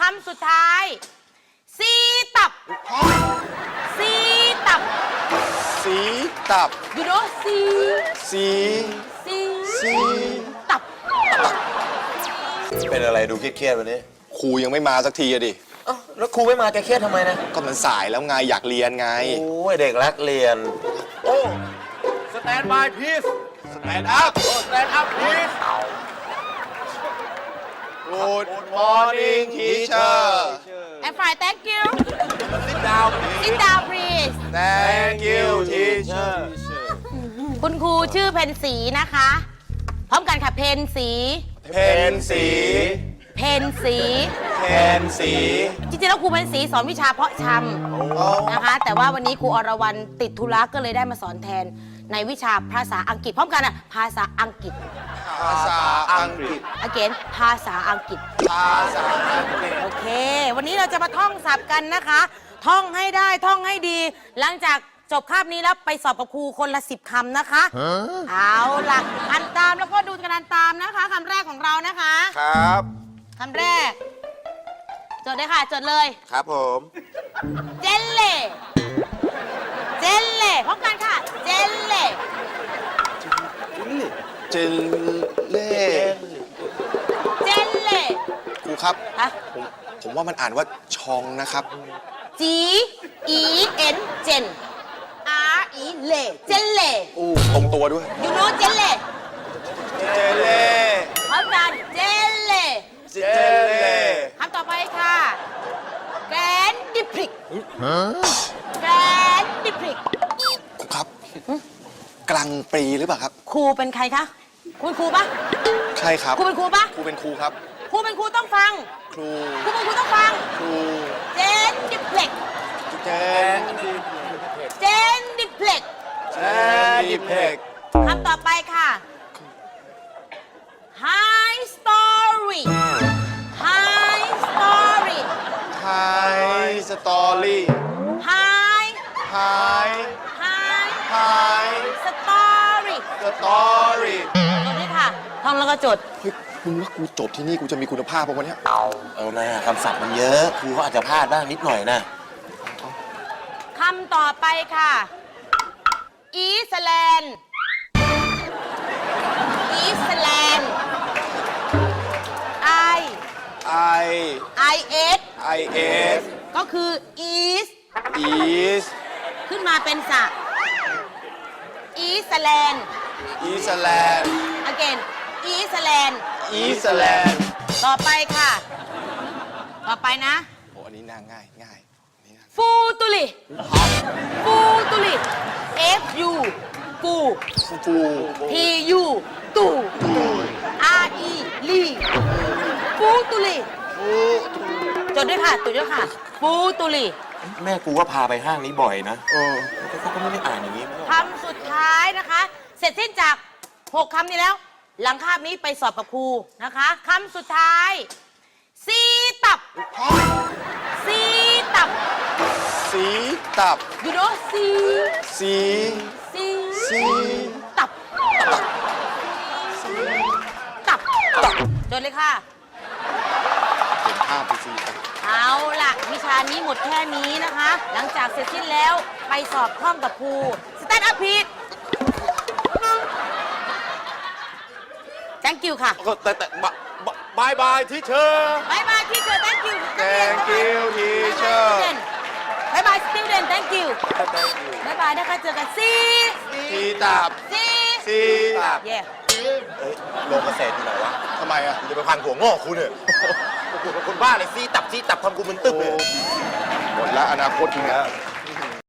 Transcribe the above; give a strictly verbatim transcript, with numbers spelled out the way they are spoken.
ำสุดท้ายซีตับซีตับสีตับ you know ซีสีซีสีตับเป็นอะไรดูเครียดๆวันนี้ครูยังไม่มาสักทีอะดิเอ้าแล้วครูไม่มาแกเครียดทำไมนะก็มันสายแล้วไงอยากเรียนไงโอ้ยเด็กรักเรียน โอ้สแตนบายพีซสแตนด์อัพโอ้สแตนอัพพีซ Good morning teacher I'm fine thank you sit down sit down please Thank you teacher คุณครูชื่อเพนสีนะคะ พร้อมกันค่ะเพนสีเพนสีเพนสีเพนสีจริงๆแล้วครูเพนสีสอนวิชาเพาะชำนะคะ แต่ว่าวันนี้ครูอรวรรณติดธุระก็เลยได้มาสอนแทนในวิชาภาษาอังกฤษ พร้อมกันอ่ะภาษาอังกฤษภาษาอังกฤษ again ภาษาอังกฤษภาษาอังกฤษโอเค วันนี้เราจะมาท่องศัพท์กันนะคะ ท่องให้ได้ท่องให้ดี หลังจากจบคาบนี้แล้วไปสอบกับครูคนละสิบคำนะคะ เอาล่ะอ่านตามแล้วก็ดูกันอ่านตามนะคะคำแรกของเรานะคะครับคำแรก จดเลยค่ะ จดเลยครับผมเจลเล่เจลเล่พร้อมกันค่ะ เจลเล่เจลเล่เจลเล่ครูครับฮะผมผมว่ามันอ่านว่าชองนะครับ G E N เจน R E เล่เจลเล่อู้ตรงตัวด้วย you know เจลเล่เจลเล่พร้อมกันเจลเล่เจลเล่คำต่อไปค่ะแกรนดิพริกแกรนดิพริกครูครับ กลางปรีหรือเปล่าครับครูเป็นใครคะคุณครูปะใช่ครับครูเป็นครูปะครูเป็นครูครับครูเป็นครูต้องฟังครูครูเป็นครูต้องฟังครูเจนดิพริกเจนเจนดิพริกเจนดิเพกคำต่อไปค่ะ High story High story ไฮสตอรี่ High ไฮ High ไฮ story สตอรี่จดด้วยค่ะท่องแล้วก็จดเฮ้ยมึงว่ากูจบที่นี่กูจะมีคุณภาพป่ะวะเนี่ยเอาหน้าคำศัพท์มันเยอะ ครูก็อาจจะพลาดบ้างนิดหน่อยนะคำต่อไปค่ะอีสแลนด์อีสแลนด์ I I I S I S ก็คือ east East ขึ้นมาเป็นสระอีสแลนด์ Eastland again อีสแลนด์ Eastland ต่อไปค่ะ ต่อไปนะโอ้อันนี้น่าง่ายง่ายอันนี้น่าฟูตุลิฟูตุลิ F U ฟูฟูฟู T U ตู R E ลีฟูตุลิฟูจดด้วยค่ะจดด้วยค่ะฟูตุลิแม่กูก็พาไปห้างนี้บ่อยนะเออเขาก็ไม่ได้อ่านอย่างนี้คำสุดท้ายนะคะ เสร็จสิ้นจากหกคำนี้แล้ว หลังคาบนี้ไปสอบกับครูนะคะคำสุดท้ายซีตับซีตับสีตับ you know ซีสีซีสีตับตับจดเลยค่ะเห็นภาพไปสีตับเอาล่ะ วิชานี้หมดแค่นี้นะคะ หลังจากเสร็จสิ้นแล้วไปสอบท่องกับครูสแตนด์อัพพีท thank you ค่ะก็แต่แต่บายบายที่เชอร์บายบายที่เจอ thank you Thank you teacher บายบาย student thank you บายบายนะคะเจอกันซีสีตับซีสีตับเย่เฮ้ยโลเกษตรอยู่ไหนวะทำไมอ่ะกูจะไปพันหัวงอกคุณเนี่ยโอ้โหเป็นคนบ้าเลยซีตับซีตับทำกูมึนตึ๊บเลยหมดแล้วอนาคตมึงอ่ะ